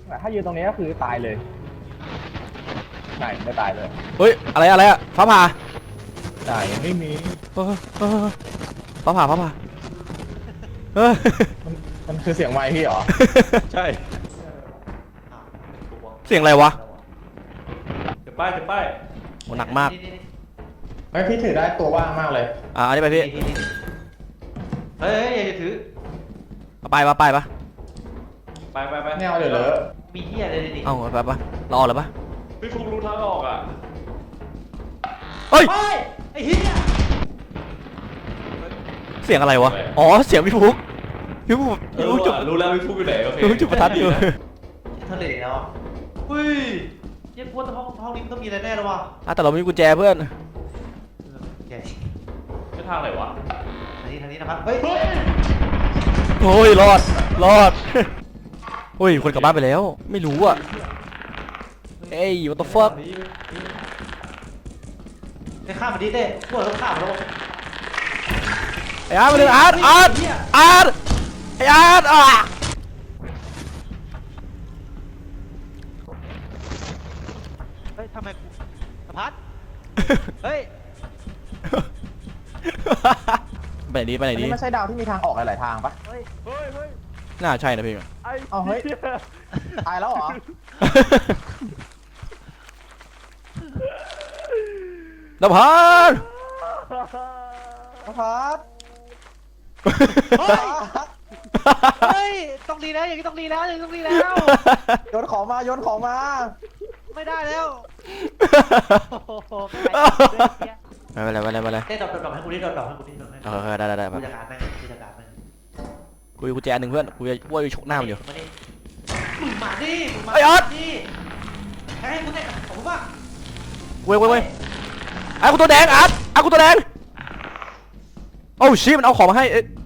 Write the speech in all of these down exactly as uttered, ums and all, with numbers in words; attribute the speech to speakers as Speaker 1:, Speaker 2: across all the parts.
Speaker 1: ถ้ายืนตรงนี้ก็คือตายเลยไหนไม่ตายเลย
Speaker 2: เฮ้ยอะไรอะไรอะฟ้าผ่า
Speaker 1: ไหนไม่มี
Speaker 2: ฟ้าผ่าฟ้าผ่า
Speaker 1: มันมันคือเสียงไมค์พี่เหรอ
Speaker 3: ใช่
Speaker 2: เสียงอะไรวะ
Speaker 3: เดี๋ยวป้ายเดี๋ยวป้าย
Speaker 2: โหหนักมาก
Speaker 1: ไม่พี่ถือได้ตัวว่างมากเลย
Speaker 2: อ่าอันนี้ไปพี่
Speaker 3: เฮ้ยอย่าถือ
Speaker 2: มาไปมาไปปะ
Speaker 3: ไปไปไป
Speaker 1: แนวเดี๋ยวเลย
Speaker 3: มีที่อะไรดิ
Speaker 2: เอ้าไปปะรอเลยปะ
Speaker 3: พี่ฟุกรู้ทางออกอ่ะ
Speaker 2: เฮ้ย
Speaker 3: ไอ้เหี้ย
Speaker 2: เสียงอะไรวะอ๋อเสียงพี่ฟุกพี่ฟุกพี่ฟุกจุด
Speaker 3: รู้แล้วพี่ฟุกอยู่ไหนโอเค
Speaker 2: พี่ฟุกจุดประทัดอยู่
Speaker 3: ทะเลแล้วเฮ้ยยังกลัวห้องห้องนี้มันต้องมีอะไรแน่เลยวะ
Speaker 2: อ่ะแต่เราไม่มีกุญแจเพื่อน
Speaker 3: แกจะทางไหนวะทางนี้ทางนี้นะครับเฮ้ย
Speaker 2: โอ้ยรอดรอดเฮ้ยคนกลับบ้านไปแล้วไม่รู้อ่ะเอ้ย what the fuck
Speaker 3: ไปข้ามมาดิเต้พวกเราต้องข้ามแล้ว
Speaker 2: ไอ้อาร์ตมาเลยอาร์ตอาร์ตอาร์ตไอ้อาร์ตอ่ะ
Speaker 3: เฮ้ยทำไมกูสะพัดเฮ้ย
Speaker 2: ไปไหนดีไปไหนดี
Speaker 1: นี่ไม่ใช่ดาวที่มีทางออกหลายๆทางปะ
Speaker 3: เฮ้ยเฮ้ยเฮ้ย
Speaker 2: น่าใช่นะพี่
Speaker 1: เอาเฮ้ยตายแล้วเหรอ
Speaker 2: นภัส
Speaker 1: นภัส
Speaker 3: เฮ้ยต้องรีแล้วอย่างนี้ต้องรีแล้วอย่างนี้ต้องรีแล้ว
Speaker 1: โยนของมาโยนของมา
Speaker 3: ไม่ได้แล้ว
Speaker 2: ไม่เป็นไรไม่เป็นไรไม่เป็นไร
Speaker 3: เต้ดอกดอกให้กูดิดอกดอกให้กูดิดอกให้
Speaker 2: เออได้ได้ได้
Speaker 3: กูจัดการแม่งกูจัดการแม่ง
Speaker 2: กูกูแจหนึ่งเพื่อนกูจะว่าอยู่ชกหน้ามันอยู่
Speaker 3: มึงมาดิมึงมาดิให้กูเตะของกูบ้าง
Speaker 2: เว้ยเว้ยเว้ยไอ้กูตัวแดงอาร์ตไอ้กูตัวแดงโอ้ชิมันเอาของมาให้เอ๊ะ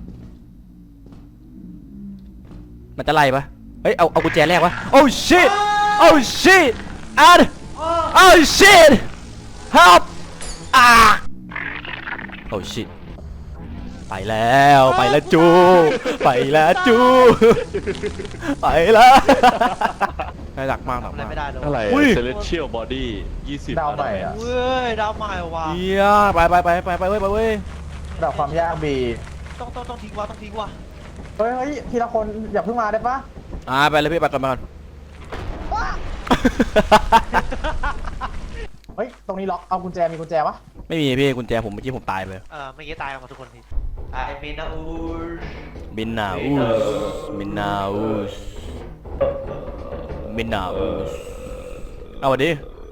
Speaker 2: มันจะไล่ปะเฮ้ยเอาเอากุญแจแรกวะโอ้ชิโอ้ชิอาร์ตโอ้ชิ help อ่าโอ้ชิไปแล้วไปแล้วจูไปแล้วจูไปแล้วได้หลักมากหลักมาก
Speaker 3: อะไร
Speaker 4: Celestial Body ยี่สิบ
Speaker 1: ดาวใหม่อ่ะ
Speaker 3: เว้ยดาวใหม่ว่ะ
Speaker 2: เฮียไปไปไปไปไปเว้ยไปเว้ย
Speaker 1: ดาวความยากบี
Speaker 3: ต้องต้องต้องทิ้งว่ะต้องทิ้งว่ะ
Speaker 1: เฮ้ยเฮ้ยทีละคนอย่าเพิ่งมาได้ปะ
Speaker 2: อ่าไปเลยพี่ไปก่อนมาก่อน
Speaker 1: เฮ้ยตรงนี้ล็อกเอากุญแจมีกุญแจวะ
Speaker 2: ไม่มีพี่กุญแจผมเมื่อกี้ผมตายไป
Speaker 3: เออเมื่อกี้ตายกันหมดทุกคนทีไอ้มินาอูส
Speaker 2: มินาอูสมินาอูสมินาอูสเอาดิ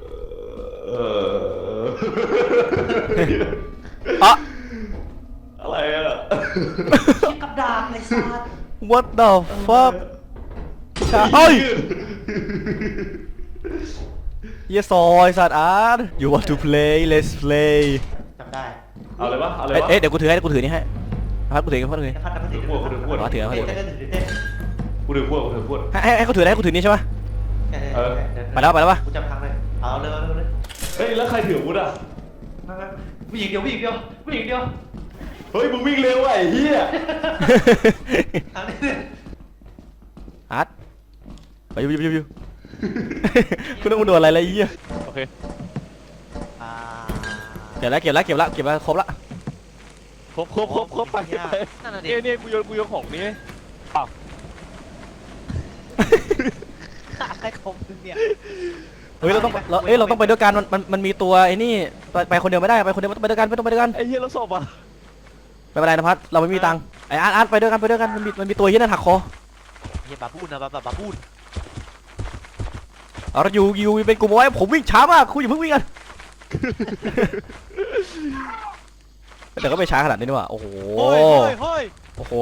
Speaker 2: อะ
Speaker 4: อะไรอะ
Speaker 3: กับดาบไอ้สัส
Speaker 2: What the fuck เฮ้ยเยสอยสัตว์อาร์ต You want to play Let's play
Speaker 3: จำได้
Speaker 4: เอาเลยปะเอาเลย
Speaker 2: ปะเอ๊ะเดี๋ยวกูถือให้กูถือนี่ให้พัดกูถือกูถือ
Speaker 3: พัดพัดถือ
Speaker 4: ขวดกูถือขวด
Speaker 2: ถือถือ
Speaker 4: กูถือขวดกูถือขวด
Speaker 2: ให้ให้เขาถือให้กูถือนี่ใช่ปะไปแล้วไปแล้วปะ
Speaker 3: กูจำทางเลยเอาเลยเอาเลย
Speaker 4: เฮ้ยแล้วใครถือวุ้ดอ่ะ
Speaker 3: ผู้หญิงเดียวผู้หญิงเดียวผู้หญิงเดียว
Speaker 4: เฮ้ยมึงวิ่งเร็วไอ้เหี้ย
Speaker 2: อาร์ตไปยูยูยูยูคุณต้องมาดูอะไรอะไรยี่
Speaker 4: โอเค
Speaker 2: เก็บแล้วเก็บแล้วเก็บแล้วเก็บแล้วครบละ
Speaker 4: ครบครบครบครบไปไปเนี่ยเนี่ยกูโยนกูโยนของนี้อ้าว
Speaker 3: อะไรของมึงเนี่ย
Speaker 2: เฮ้ยเราต้องเราเอ้ยเราต้องไปด้วยกันมันมันมันมีตัวไอ้นี่ไปไปคนเดียวไม่ได้ไปคนเดียวไปด้วยกันไปต้องไปด้วยกัน
Speaker 4: ไอ้เหี้ยเราสอบอ่ะ
Speaker 2: ไม่เป็นไรนะพัดเราไม่มีตังค์ไอ้อาร์ตอาร์ตไปด้วยกันไปด้วยกันมันมีมันมีตัวที่นั่นหักคอ
Speaker 3: เฮียบาบูนนะบาบาบูน
Speaker 2: เอาเราอยู่อยู่เป็นกลุ่มเอาไว้ผมวิ่งช้ามากคุณอย่าเพิ่งวิ่งกันแต่ก็ไม่ช้าขนาดนี้นี่หว่าโอ้โหโอ้โห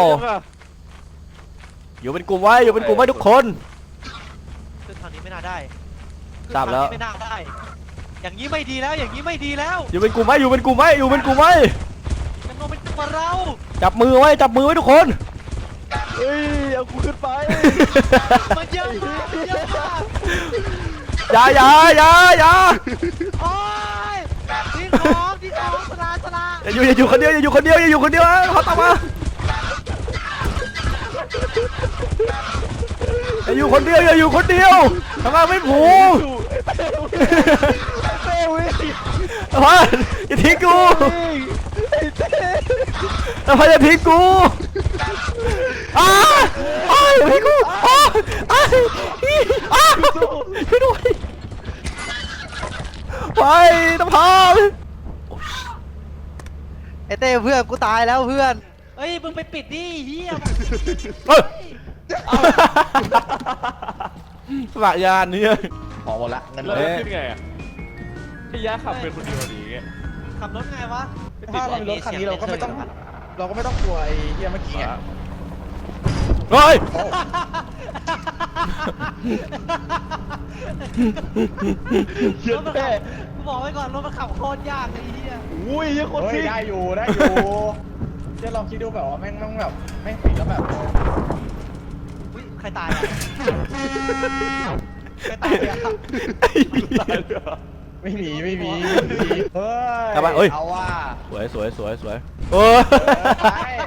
Speaker 2: อยู่เป็นกลุ่มไว้อยู่เป็นกลุ่มไว้ทุกคน
Speaker 3: คือทางนี้ไม่น่าได้
Speaker 2: ทราบแล้ว
Speaker 3: ไม่น่าได้อย่างนี้ไม่ดีแล้วอย่างนี้ไม่ดีแล้ว
Speaker 2: อยู่เป็นกลุ่มไว้อยู่เป็นกลุ่มไว้อยู่เป็นกลุ่มไว้
Speaker 3: จะลงเป็นตัวเรา
Speaker 2: จับมือไว้จับมือไว้ทุกคน
Speaker 4: เฮ้ยเอากูขึ้นไป
Speaker 3: มันเยอะมากมันเยอะมาก
Speaker 2: อย่าอย่าอย่าอย่า
Speaker 3: โอ้ยทิ้งของทิ้งของสลาสลา
Speaker 2: อย่าอยู่อย่าอยู่คนเดียวอย่าอยู่คนเดียวอย่าอยู่คนเดียวเขาตามมาอย่าอยู่คนเดียวอย่าอยู่คนเดียวทำงานไม่ผูก
Speaker 4: เต้วิ่ง
Speaker 2: นภัสอย่าทิ้งกู
Speaker 4: ไอ้เต้
Speaker 2: นภัสอย่าทิ้งกูอ้าอ้าอย่าทิ้งกูอ้าอ้าอีอ้าช่วยด้วยไปนภัส
Speaker 5: ไอเต้เพื่อนกูตายแล้วเพื่อนเฮ้ยมึงไปปิดดิเฮีย
Speaker 2: เอ้ยสมัครยานเนี่ย
Speaker 1: พอหมดละเงิน
Speaker 4: แล้ว
Speaker 1: เลย
Speaker 4: ขึ้นไงอ่ะพี่ยะขับเป็นคนเดียวดีไง
Speaker 5: ขับรถไงวะ
Speaker 1: ถ้าเรามีรถคันนี้เราก็ไม่ต้อง เราก็ไม่ต้องกลัวไอ้เหี้ยเมื่อกี้ไง
Speaker 2: เฮ้ย
Speaker 4: เหี้ย
Speaker 5: รถมัน
Speaker 4: เต้
Speaker 5: ขับกูบอกไว้ก่อนรถมันขับโคตรยากไอ้เฮีย
Speaker 4: อุ้ยยังคน
Speaker 1: เฮ้ย
Speaker 4: ที่
Speaker 1: ได้อยู่ได้อยู่เดี๋ยวลองคิดดูแบบว่าแม่งต้องแบบแม่งปิดแล้วแบบ
Speaker 5: อุ้ยใครตายอ่ะใครตายอ่ะ
Speaker 4: ตายเลยเหรอ
Speaker 1: ไม่มีไม่มีไม่มีเฮ้ย
Speaker 2: เอาไปเอ้ย
Speaker 1: เอาว่า
Speaker 2: สวยสวยสวยสวยโอ้ย
Speaker 1: ไป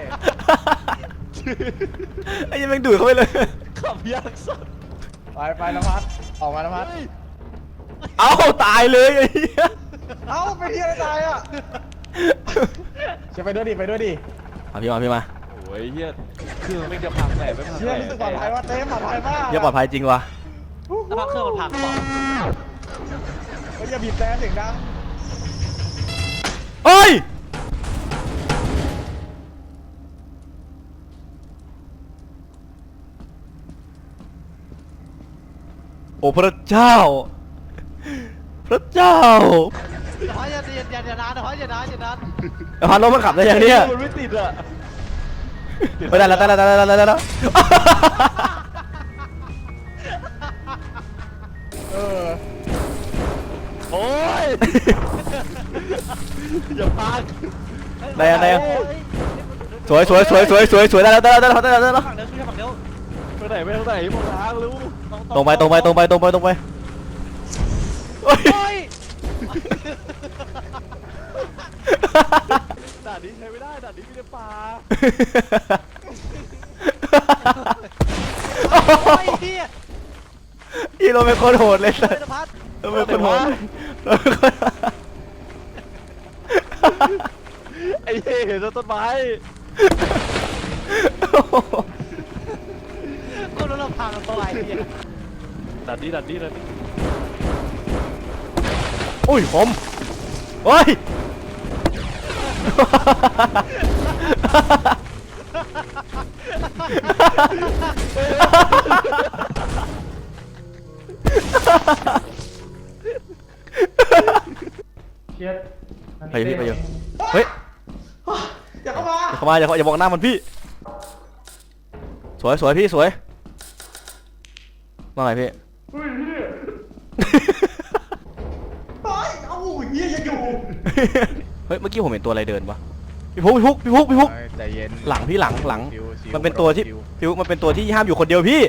Speaker 2: ไอ้ยังแม่งดูดเข้าไปเลย
Speaker 4: ขับยากสัส
Speaker 1: ไปไปนภัสออกมานภัส
Speaker 2: เอ้าตายเลยไอ้เหี้ย
Speaker 1: เอ้าไปที่อะไรตายอ่ะจะไปด้วยดิไปด้วยดิ
Speaker 2: มาพี่มาพี่มา
Speaker 4: โอ้ยเฮียคือมันจะพังแหล่ไม่พัง
Speaker 1: เชื่อรู้สึกปลอดภัยว่าเต้ปลอดภัยมาก
Speaker 2: เหี้ยปลอดภัยจริงวะ
Speaker 5: แล้วพักเครื่องมันพังเปล่า
Speaker 1: เฮ้ยอย่าบีบแต่เสียงดัง
Speaker 2: เอ้ยโอ้พระเจ้า พระเจ้า
Speaker 5: เดี๋ยวอย่าอย่าอย่าอย่านานเดี๋ยวอย่านานอย่านาน
Speaker 2: พารถมันขับได้ยังเนี่ย
Speaker 4: มันไม่ติดอ่ะ
Speaker 2: ไม่ได้แล้วได้แล้วได้แล้วได้แล้ว
Speaker 1: เออ
Speaker 4: โอ้ยอย่าพัง
Speaker 2: ได้ยังได้ยัง
Speaker 5: เฮ้ย
Speaker 2: สวยสวยสวยสวยสวยสวยได้แล้วได้แล้วได้แล้วได้แล้วได้แล้ว
Speaker 5: ฝั่งเดียวขึ้นฝั่งเดียว
Speaker 4: ไปไหนไปทางไหนมองทางรู้
Speaker 2: ตรงไปตรงไปตรงไปตรงไปตรงไปโอ้ย
Speaker 5: โอ้ย
Speaker 4: ด่านนี้ใช้ไม่ได้ด่านนี้มีแต่ป่า
Speaker 5: โอ้ยเฮีย
Speaker 2: อีโรเป็นคนโหดเลยสั
Speaker 5: เฮ้
Speaker 2: ส
Speaker 5: ยนภัส
Speaker 2: โรเป็นคนโหดโรเป็นคน
Speaker 4: ไอ้เหี้ยเห็นต้นไม้
Speaker 5: กูรู้เราพังตัวไอ้เฮีย
Speaker 4: ด่านนี้ด่านนี้ด่านนี้
Speaker 2: อุ้ยผมโอ้ย
Speaker 1: เชียร์
Speaker 2: ไปพี่ไปอยู่เฮ้ย
Speaker 1: อย่าเข้ามา
Speaker 2: อย่าเข้ามาอย่าเข้าอย่ามองหน้ามันพี่ สวยสวยพี่สวยว่าไงพี่
Speaker 1: เฮ้ยพี่เฮ้ยเอ้าเฮียยังอยู่
Speaker 2: เฮ้ยเมื่อกี้ผมเห็นตัวอะไรเดินวะพี่พุกพี่พุกพี่พุกพี่พุก
Speaker 1: ใจเย็น
Speaker 2: หลังพี่หลังหลัง
Speaker 1: ชิวชิว
Speaker 2: มันเป็นตัวที่
Speaker 1: ชิว
Speaker 2: พี่พุกมันเป็นตัวที่ห้ามอยู่คนเดียวพี่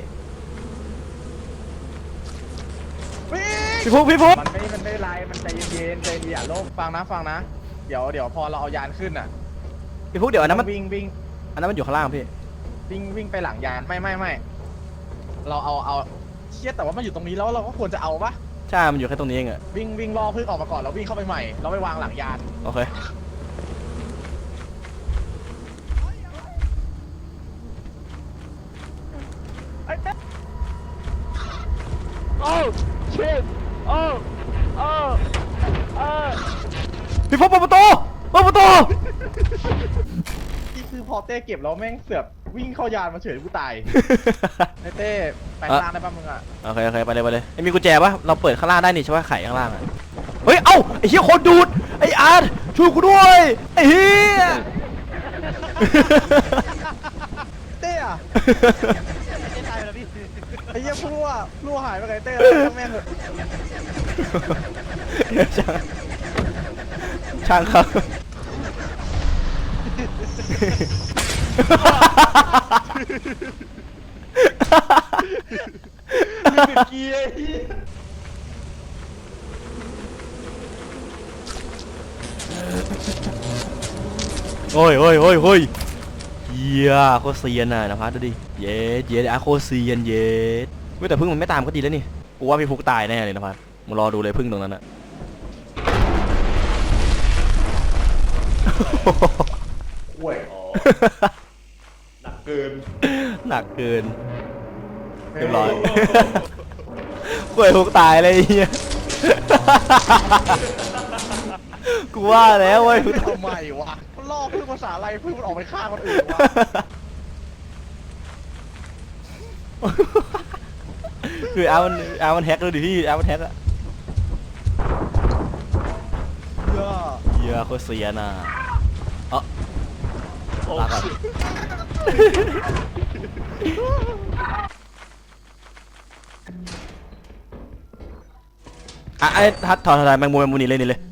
Speaker 2: พี่พุกพี่พุก
Speaker 1: มันไม่มันไม่ไรมันใจเย็นๆใจเย็นอย่าโลภฟังนะฟังนะ เดี๋ยวเดี๋ยวพอเราเอายานขึ้นอ่ะ
Speaker 2: พี่พุกเดี๋ยวอันนั้นมัน
Speaker 1: วิ่งวิ่ง
Speaker 2: อันนั้นมันอยู่ข้างล่างพี่
Speaker 1: วิ่งวิ่งไปหลังยานไม่ไม่ไม่เราเอาเอาเชี่ยแต่ว่ามันอยู่ตรงนี้แล้วเราก็ควรจะเอาปะ
Speaker 2: ใช่มันอยู่แค่ตรงนี้เองอะ
Speaker 1: วิ่งวิ่งล่อพึ่งออกมาก่อนแล้ววิ่งเข้าไปใหม่เราไปวางหลังยาน
Speaker 2: โอเค
Speaker 4: โอ้ชิตโอ้โอ้โอ้
Speaker 2: พี่พุกเปิดประตูเปิดประตู
Speaker 1: ที่คือพอเต้เก็บแล้วแม่งเสือกวิ่งเข้ายานมาเฉยกูตายไอ้เต้ไปข้างล่างได้ป่ะมึงอ่ะ
Speaker 2: โอเคโอเคไปเลยไปเลยไอ้มีกุญแจปะเราเปิดข้างล่างได้นี่ใช่ปะไขข้างล่างอะเฮ้ยเอ้าไอ้เหี้ยคนดูดไอ้อาร์ตช่วยกูด้วยไอ้เหี้ย
Speaker 1: เต้อะ
Speaker 5: เจ๊ตายไปแล้วพี่
Speaker 1: ไอ้เหี้ยพลั่วพลั่วหายไปไงเต้แล้วแม่งเหอะ
Speaker 2: ช่างช่างครับ
Speaker 4: มีเป็นเกียร์
Speaker 2: โอ้ยโอ้ยโอ้ยโอ้ยเฮียโคตรเซียนน่ะนะพัดดูดิเย็ดเย็ดอาโคตรเซียนเย็ดเว้ยแต่พึ่งมันไม่ตามก็ดีแล้วนี่กูว่าพี่ฟุกตายแน่เลยนะพัดมึงรอดูเลยพึ่งตรงนั้นอะ
Speaker 3: ห่วยอ๋อหนักเกิน
Speaker 2: หนักเกินเรียบร้อยกล้วยฟุกตายเลยไอ้เฮียกูว่าแล้วเว้ย
Speaker 1: ทำไมวะลอกพึ่งภาษาอะไรพึ่งมันออกไปฆ่าคนอื่นวะ
Speaker 2: คือเอามันเอามันแฮกเลยดิพี่เอามันแฮกอะ
Speaker 1: เหี้ย
Speaker 2: เหี้ยโคตรเสียน่ะเอ๋อ
Speaker 4: โอ้
Speaker 2: ลาก่อนอ่ะไอ้ทัดถอดถอดแมงมุมแมงมุมนี่เลยนี่เลย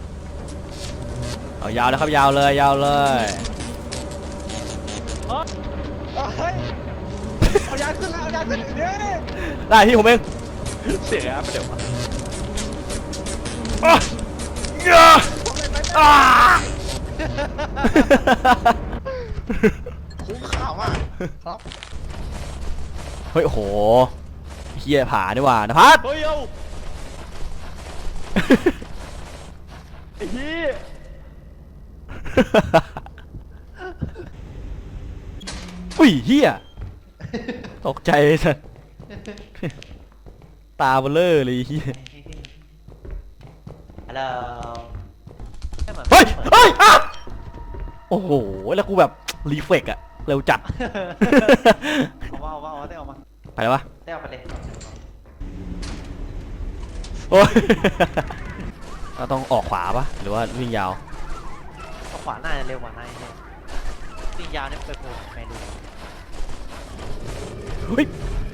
Speaker 2: เอายาวเลยครับยาวเลยยาวเลย
Speaker 1: เฮ้ยเอายาขึ้นแล้วเอายาขึ้นเดี๋ยวนี้
Speaker 2: ได้พี่ผมเอง
Speaker 4: เสียไปเดี๋ยวมา
Speaker 2: อ่ะเหี้ยอ่ะ
Speaker 1: คุ้มข่าวมากครับ
Speaker 2: เฮ้ยโอ้โหเฮียผาดีกว่านะพัด
Speaker 4: เฮ้ยเอาไอ้เหี้ย
Speaker 2: อุ้ยเฮียตกใจเลยสัสตาเบลอเลยเฮีย
Speaker 3: ฮัลโหล
Speaker 2: เฮ้ยเฮ้ยอ่ะโอ้โหแล้วกูแบบรีเฟกอะเร็วจัด
Speaker 3: เอาว่าเอาว่าเอาว่าได้ออกมา
Speaker 2: ไปแล้ววะ
Speaker 3: ได้ออกมาเลย
Speaker 2: โอ้ย เราต้องออกขวาปะหรือว่าวิ่งยาว
Speaker 3: เอาขวาหน้าจะเร็วกว่าหน้าเนี่ยวิ่งยาวเนี่ยไปโผล่แมนดู
Speaker 2: เฮ้ย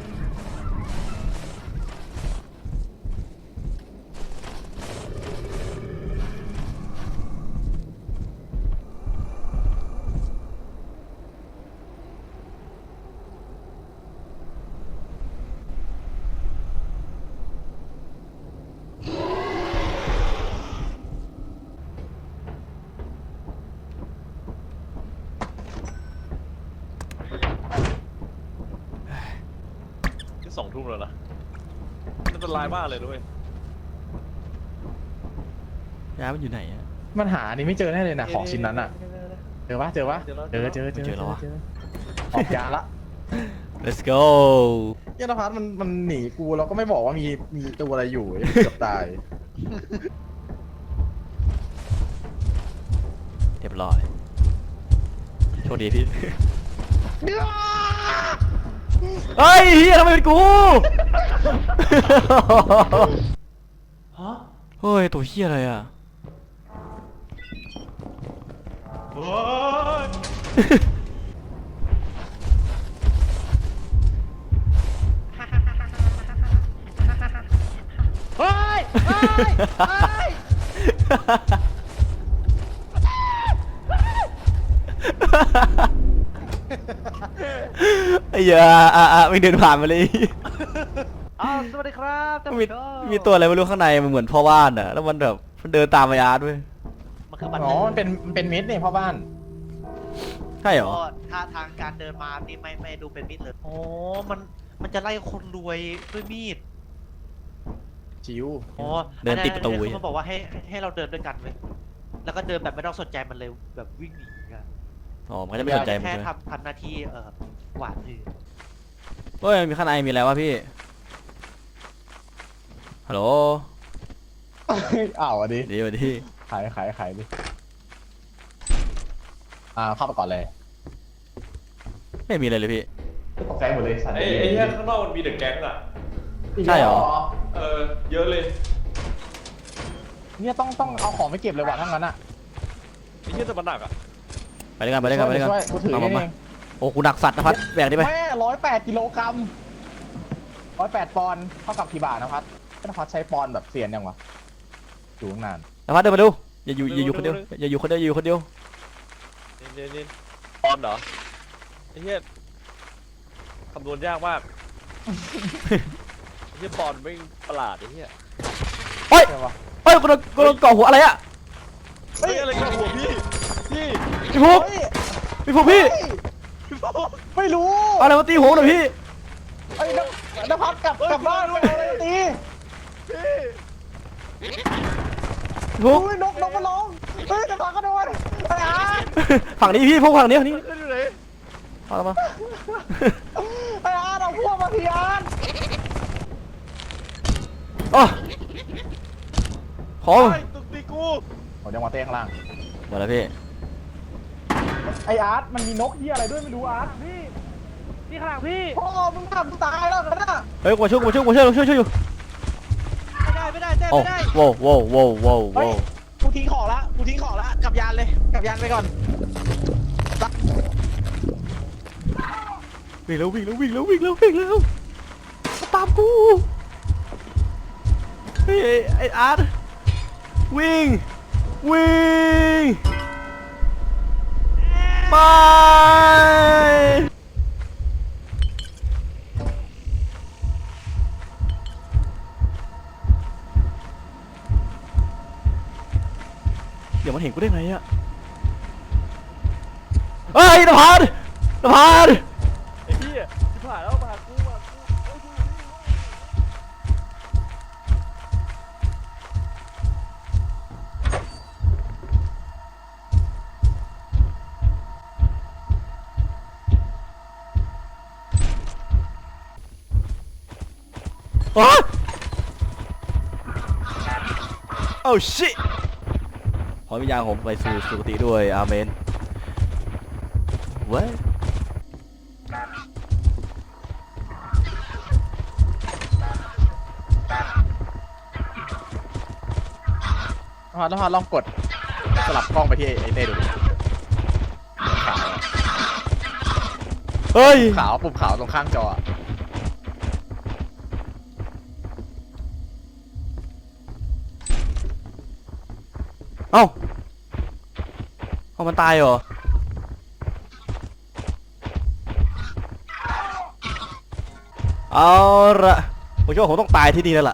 Speaker 4: ที่สองทุ่มแล้วนะอันตรายมากเลยด้วย
Speaker 2: ยามันอยู่ไหนอะ
Speaker 1: มันหานี่ไม่เจอแน่เลยนะของชิ้นนั้นอ่ะเจอปะเจอปะเจอเจอเจอ
Speaker 2: เจอแล้ววะ
Speaker 1: ออกยาละ
Speaker 2: let's go
Speaker 1: เหี้ยนภัสมันมันหนีกูเราก็ไม่บอกว่ามีมีตัวอะไรอยู่เกือบตาย
Speaker 2: เรียบร้อยโชคดีพี่ เฮ้ยเฮียทำไมเป็นกู
Speaker 3: ฮะ
Speaker 2: เฮ้ยตัวเฮียอะไรอ่ะ
Speaker 3: โอ้ย เฮ้ย เฮ้ย เฮ้ย
Speaker 2: ไอ้เหี้ยอ่ะอ่ะไม่เดินผ่านมาเลย
Speaker 3: อ้าวสวัสดีครับท่าน
Speaker 2: มี
Speaker 3: ผู้ชม
Speaker 2: มีตัวอะไรไม่รู้ข้างในมันเหมือนพ่อบ้านอ่ะแล้วมันแบบมันเดินตามไอ้อาร์ตด้วย
Speaker 3: มันคือบัตร
Speaker 1: อ๋อมันเป็นมันเป็นมิดเนี่ยพ่อบ้าน
Speaker 2: ใช่เหรอ
Speaker 3: ก็ท่าทางการเดินมานี่ไม่ไม่ดูเป็นมิตรเลยโอ้มันมันจะไล่คนรวยด้วยมีด
Speaker 1: ชิว
Speaker 3: อ๋อ
Speaker 2: เดินติดประตู
Speaker 3: อันนั้นเขาบอกว่าให้ให้ให้เราเดินด้วยกันเลยแล้วก็เดินแบบไม่ต้องสนใจมันเลยแบบวิ่งหนีกัน
Speaker 2: อ๋อมันก็จะไม่สนใจมัน
Speaker 3: แค่
Speaker 2: ใช่ไหม
Speaker 3: ทำทำหน้าที่เอ่อหวานถือ
Speaker 2: เฮ้ยมีข้างในมีอะไรวะพี่ฮัลโหล
Speaker 1: อ้าวอ่ะดิ
Speaker 2: ดีสวัสดี
Speaker 1: ขายขายขายดิอ่าเข้าไปก่อนเลย
Speaker 2: ไม่มีอะไรเลยพี่
Speaker 1: ตกใจหมดเลยสัตว์
Speaker 4: ไอ้ไอ้เหี้ยข้างนอกมันมีเดอะแก๊งอ่ะ
Speaker 2: ใช่เหรอ
Speaker 4: เออ เยอะเลย
Speaker 1: เนี่ยต้องต้องเอาของไปเก็บเลยว่ะทั้งนั้นอ่ะ
Speaker 4: ไอ้เหี้ยจะมันหนักอ่ะ
Speaker 2: ไปด้วยกันไปด้วยกันไปด้วยกัน
Speaker 1: ช่วยกูถือ
Speaker 2: มา
Speaker 1: นี่
Speaker 2: มามา
Speaker 1: เอง
Speaker 2: โอ้กูหนักสัตว์นะพัดแบกดิไป
Speaker 1: แม่ร้อยแปดกิโลกรัมร้อยแปดปอนด์เท่ากับกี่บาทนะพัดนภัสใช้ปอนด์แบบเซียนยังวะอยู่ตั้งนาน
Speaker 2: นะพัดเดินมาดูอย่าอยู่อย่าอยู่คนเดียวอย่าอยู่คนเดียวอย่าอยู่คนเดียว
Speaker 4: นี่นี่นี่ปอนเหรอ ไอ้เหี้ยคำนวณยากมาก ไอ้เหี้ยปอนไม่ประหลาดไอ้เหี้ย
Speaker 2: เฮ้ย
Speaker 1: ใช่ปะ
Speaker 2: เฮ้ยกูโดนกูโดนเกาะหัวอะไรอะ
Speaker 4: เฮ้ยอะไรกับหัวพี่ พี่
Speaker 2: พี่ฟุก
Speaker 1: เฮ้ย
Speaker 2: พี่ฟุกพี่
Speaker 1: เฮ้ยไม่รู้
Speaker 2: เอาอะไรมาตีหัวหน่อยพี่
Speaker 1: ไอ้ยนักนภัสกลับกลับบ้านด้วยอะไรตี
Speaker 2: พวก
Speaker 1: อุ้ยนกนกมันร้องเฮ้ยนภัสก็โดนไอ้อาร์ต
Speaker 2: ฝั่งนี้พี่พวกฝั่งนี้ฝั่งนี้
Speaker 4: ขึ้นอยู่ไหน
Speaker 2: เอาละมา
Speaker 1: ไอ้อาร์ตเอาพวกมาทีอาร์ต
Speaker 2: อ๋อขอ
Speaker 4: ไอ้ตุกตีกู
Speaker 1: โอ้ยังมาเต้ข้างล่าง
Speaker 2: หมดแล้วพี่
Speaker 1: ไอ้อาร์ตมันมีนกเหียอะไรด้วยไม่รู้อาร์ตพี่
Speaker 5: พี่ข้างหลังพี่
Speaker 1: พ่อมึงทำตายแล้วนะ
Speaker 2: เฮ้ยกูมาช่วยกูมาช่วยกูมาช่วยช่วยช่วยอยู่
Speaker 5: ไม่ได้ไม่ได้เต้
Speaker 2: โอ้
Speaker 5: ไม่ได้
Speaker 2: โว้โว้โว้โว้
Speaker 1: เฮ้
Speaker 2: โว้
Speaker 1: ยกูทิ้งของละกูทิ้งของละกลับยานเลยกลับยานไปก่อน
Speaker 2: วิ่งแล้ววิ่งแล้ววิ่งแล้ววิ่งแล้ววิ่งแล้วตามกูเฮ้ยไอ้อาร์ตวิ่งวิ่งไปเดี๋ยวมันเห็นกูได้ไงอะเฮ้ยนภัสนภัส
Speaker 4: ไอ้เหี้ยชิบหายแล้วมากูมากูเอ้ยกูอยู่นี่
Speaker 2: อ๋อ โอ้ชิขอวิญญาณผมไปสู่สุคติด้วยอาเมนเว้ย
Speaker 1: นภัสนภัสลองกดสลับกล้องไปที่ไอ้เต้ดูดิขาว
Speaker 2: เฮ้ย
Speaker 1: ขาวปุ่มขาวตรงข้างจออะ
Speaker 2: เอ้าเอามันตายเหรอเอาละผมคิดว่าผมต้องตายที่นี่แล้วล่ะ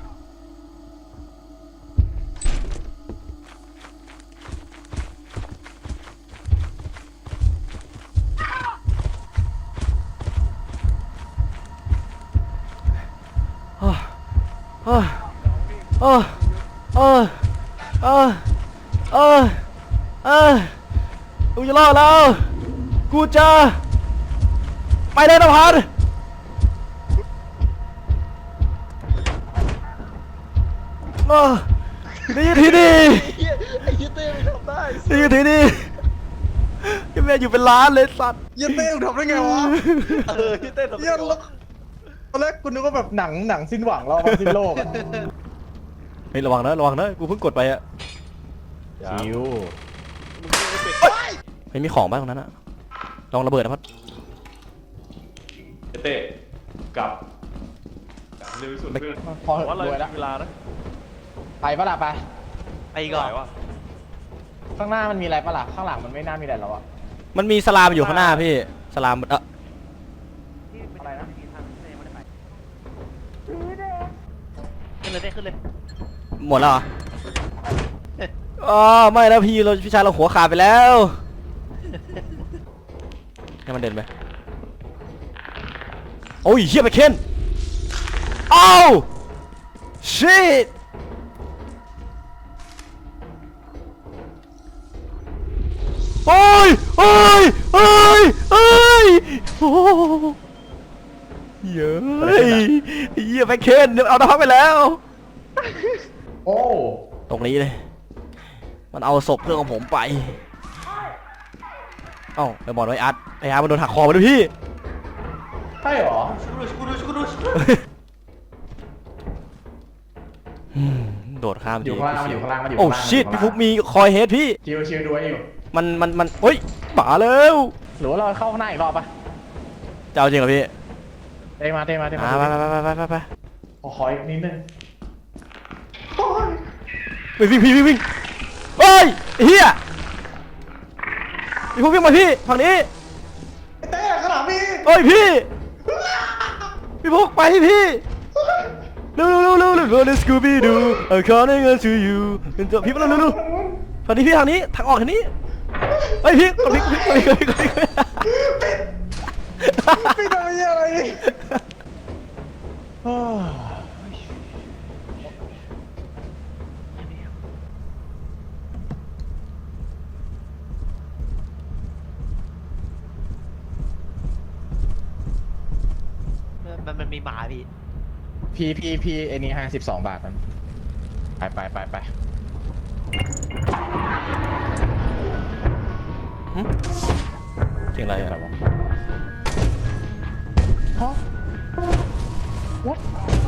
Speaker 2: อ้าวอ้าวอ้าวอ้าวอ้าวอ้าวอ้าวกูจะรอดแล้วกูจะไปเลยนภัสอ้าวนี่ที่นี่
Speaker 1: ไอ้เหี้ยเต้มึงทำได้
Speaker 2: นี่ที่นี่ยังแม่อยู่เป็นล้านเลยสัตว์
Speaker 1: เหี้ยเต้มึงทำได้ไงวะ
Speaker 4: เออที่เต้นทำไม
Speaker 1: เหี้ยแล้วตอนแรกกูนึกว่าแบบหนังหนังสิ้นหวังเราสิ้นโลกอะ
Speaker 2: เฮ้ยระวังนะระวังนะกูเพิ่งกดไปอะ
Speaker 1: ชิว
Speaker 2: ไม่มีของบ้างตรงนั้นอะลองระเบิดนะพัด
Speaker 4: เต้กลับเร็วที่สุดเพื่อน
Speaker 1: พอ
Speaker 4: ว่าเรา
Speaker 1: รวยแล้ว
Speaker 4: เวลานะ
Speaker 1: ไปปะล่ะไป
Speaker 5: ไปก่อน
Speaker 4: ไหววะ
Speaker 1: ข้างหน้ามันมีอะไรปะล่ะข้างหลังมันไม่น่ามีอะไรแล้วอะ
Speaker 2: มันมีสลามอยู่ข้างหน้าพี่สลามเออ
Speaker 1: อะไรนะ
Speaker 5: ขึ้นเลยเต้ขึ้นเลย
Speaker 2: หมดแล้วเหรออ๋อไม่แล้วพี่เราพี่ชายเราหัวขาดไปแล้วให้มันเดินไปโอ้ยเฮียไปเคนอ้าวชิตโอ้ยโอ้ยโอ้ยโอ้ยโอ้เย้ยเฮียไปเคนเดี๋ยวเอาน้ำไปแล้ว
Speaker 1: โอ้
Speaker 2: ตรงนี้เลย มันเอาศพเพื่อนของผมไป เอ้าไปบอกไว้อาร์ตไออาร์ตมันโดนหักคอมาด้วยพี่
Speaker 1: ใช่เหรอ
Speaker 3: กูดูกูดูกูดู
Speaker 2: อืมโดดข้าม
Speaker 1: อยู่ข้างล่างมันอยู่ข้างล่างมันอยู่
Speaker 2: โอ้
Speaker 1: ข้างล่าง
Speaker 2: ชิตพี่ฟุกมีคอยเฮดพี่
Speaker 1: ชิวชิวดูไว้อยู่
Speaker 2: มันมันมันเฮ้ยป่าแล้ว
Speaker 1: หรือว่าเราเข้าข้างหน้าอีกรอบปะ
Speaker 2: จะเอาจริงเหรอพี่
Speaker 1: เต้มาเต้มาเต้มา
Speaker 2: อ่าไปไปไปไปไปไป
Speaker 1: ขอขออีกนิดนึง
Speaker 2: ไปวิ่งพี่วิ่งวิ่งเฮ้ยไอ้เฮียพี่ฟุกวิ่งมาพี่ฝั่งนี้
Speaker 1: เต้ข้างหลังพี่
Speaker 2: เฮ้ยพี่ พี่ฟุกไปพี่เร็วเร็วเร็วเร็วเร็วเร็วเร็วสกูบี้ดู I'm calling out to you เป็นตัวพี่มาเร็วเร็วเร็วทางนี้พี่ทางนี้ทางออกทางนี้เฮ้ยพี่กดพี่กดพี่กดพี่กดพี่กดพี่
Speaker 1: พี่ทำอะไรอะไรโอ้ย
Speaker 5: มันมันมีหมาพี่
Speaker 1: พี่พี่พี่ไอ้นี่ให้สิบสองบาทมันไปไปไปไป
Speaker 2: หึเสียงอะไร
Speaker 1: แบบ
Speaker 2: อะ
Speaker 1: ว่าฮะ what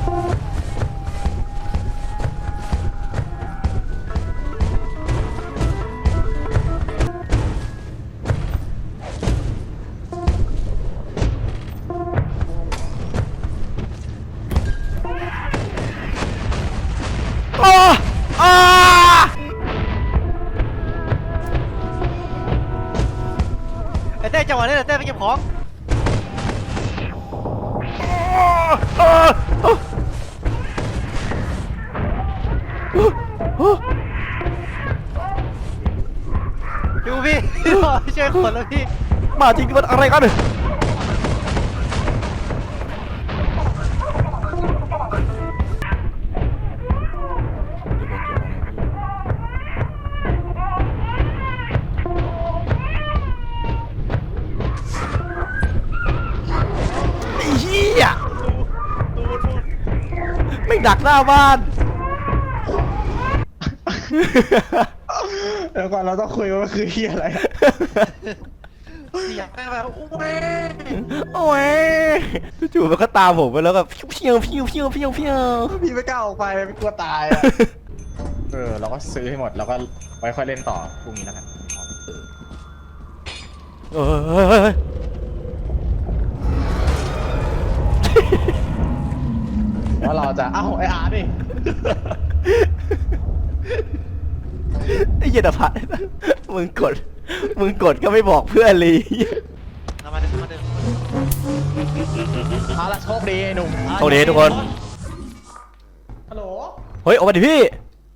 Speaker 2: อ้าอ้า
Speaker 5: ไอ้เต้จังหวะนี้แหละเต้ไปเก็บของ
Speaker 2: อ้าอ้าอ้า
Speaker 5: ดูพี่ ช่วยคนแล้วพี่
Speaker 2: มาจริงมันอะไรกัน ไอ้เหี้ยไม่ดักหน้าบ้าน
Speaker 1: เดี๋ยวก่อนเราต้องคุยว่ามันคือที่อะไร
Speaker 5: เสียงแม่งแบบโอ้ย
Speaker 2: โอ้ยจู่ๆมันก็ตามผมไปแล้วก็พิ้วพิ้วพิ้วพิ้วพิ้วพิ้ว
Speaker 1: พี่ไม่กล้าออกไปไม่กลัวตายอะเออเราก็ซื้อให้หมดแล้วก็ไว้ค่อยเล่นต่อพรุ่งนี้แล้วกัน
Speaker 2: เอ้ย
Speaker 1: ว่าเราจะเอ้าไออาร์ดิ
Speaker 2: ไอ้เหี้ยดพัดมึงกด มึงกดก็ไม่บอกเพื่อนเลย
Speaker 5: เอามาเดินมาเดิน
Speaker 1: เอาละโชคดีไอ้หนุ่ม
Speaker 2: โอเคทุกคน
Speaker 1: ฮัลโหล
Speaker 2: เฮ้ยออกมาดิพี่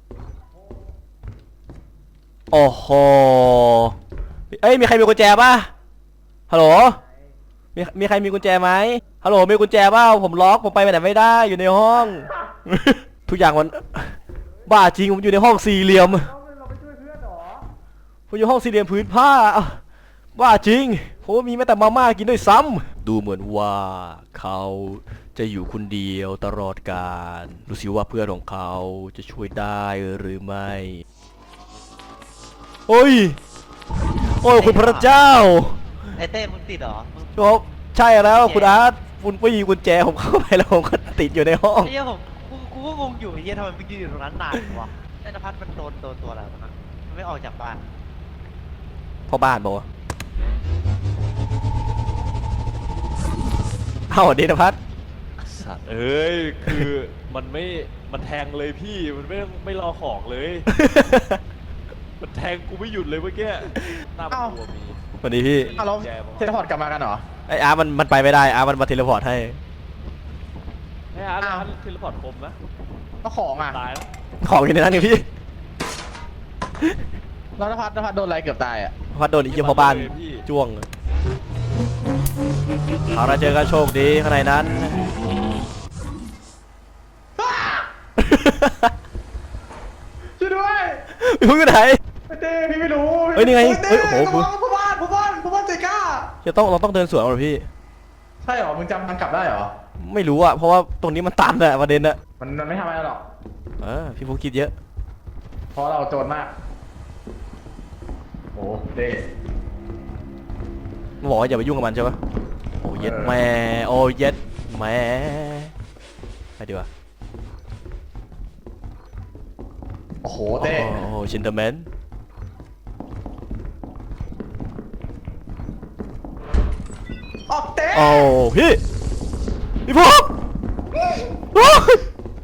Speaker 2: โอ้โห เอ้ยมีใครมีกุญแจป่ะ ฮัลโหล มีมีใครมีกุญแจไหมฮัลโหลมีกุญแจเปล่าผมล็อกผมไปไหนไม่ได้อยู่ในห้อง ทุกอย่างมันบ้าจริงผมอยู่ในห้องสี่เหลี่ยมผมอยู่ห้องสี่เหลี่ยมพื้นผ้าบ้าจริงผมมีแม้แต่มาม่ากินด้วยซ้ำดูเหมือนว่าเขาจะอยู่คนเดียวตลอดกาลดูสิว่าเพื่อนของเขาจะช่วยได้หรือไม่โอ้ยโอ้ยคุณพระเจ้า
Speaker 5: ไอ้เต้มึงติดเหรอมึง
Speaker 2: ครับใช่แล้วคุณอาร์ตคุณไม่มีกุญแจผมเข้าไปแล้วผมก็ติดอยู่ในห้อง
Speaker 5: ไอ้เหี้ยผมกูกูก็งงอยู่ไอ้เหี้ยทำไมมึงยืนอยู่ตรงนั้นนานวะไอ้นภัสมันโดนโดนตัวอะไรวะนะมันไม่ออกจากบ้าน
Speaker 2: พ่อบ้านบอกว่าเอ้าดีนะพัด
Speaker 4: สัตว์เอ้ยคือมันไม่มันแทงเลยพี่มันไม่ไม่รอของเลย มันแทงกูไม่หยุดเลยเมื่อกี้หน้าประตูมี
Speaker 2: สวัสดีพี่
Speaker 1: อ้าวเราเทเลพอร์ตกลับมากันเหรอ
Speaker 2: ไออาร์ตมันมันไปไม่ได้อาร์ตมันมาเทเลพอร์ตให้
Speaker 4: ไอ้อาร์ต
Speaker 1: อ้าว
Speaker 4: อาร์ตเทเลพอร์ตคมนะ
Speaker 1: ก็ของอ่ะ
Speaker 4: ตายแล้ว
Speaker 2: ของอยู่ในนั้นไงพี่
Speaker 1: แล้วนภัสนภัสโดนอะไรเกือบตายอ่ะ
Speaker 2: พัดโดนอีกเยี่ยมพ่อบ้านจ้วงเอาละเจอกันโชคดีข้างในนั้น
Speaker 1: ช่วยด้วย
Speaker 2: พี่พึ่งอยู่ไหน
Speaker 1: ไอ้เต้พี่ไม่รู้
Speaker 2: เฮ้ยนี่ไง
Speaker 1: เต้
Speaker 2: เฮ้ยโอ้โห
Speaker 1: ระวังผู้บ้านผู้บ้านผู้บ้านใจกล้า
Speaker 2: จะต้องเราต้องเดินสวนเอาเหรอพี่
Speaker 1: ใช่เหรอมึงจำมันกลับได้เหรอ
Speaker 2: ไม่รู้อะเพราะว่าตรงนี้มันตันอะประเด็นอะ
Speaker 1: มันมันไม่ทำอะไรหรอก
Speaker 2: เออพี่ฟุกคิดเยอะ
Speaker 1: เพราะเราโจรมากโอ้เต้
Speaker 2: มันบอกว่าอย่าไปยุ่งกับมันใช่ปะโอ้เย็ด
Speaker 1: เออ
Speaker 2: แม่โอ้เย็ดแม่ไปดีกว่า
Speaker 1: โอ้โห
Speaker 2: โอ้
Speaker 1: เต้
Speaker 2: โหชินเดอร์แมน
Speaker 1: ออกเต้
Speaker 2: โอ้พี่พี่ฟุกโอ้ย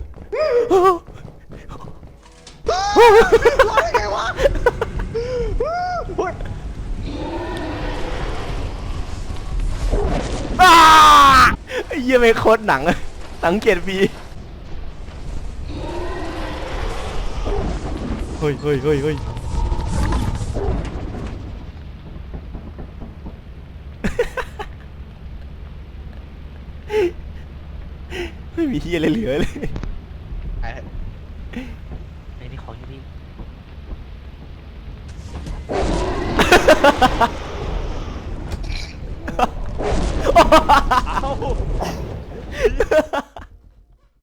Speaker 1: รอดได้ไงวะเฮ้ย
Speaker 2: อ้าไอ้เหี้ยไม่โคตรหนังอะสังเกตบีเฮ้ยเฮ้ยเฮ้ยเฮ้ยไม่มีมีที่อะไรเหลือเลย
Speaker 1: ไอ้
Speaker 5: ไอ้นี่ของอยู่นี่
Speaker 4: เอ้า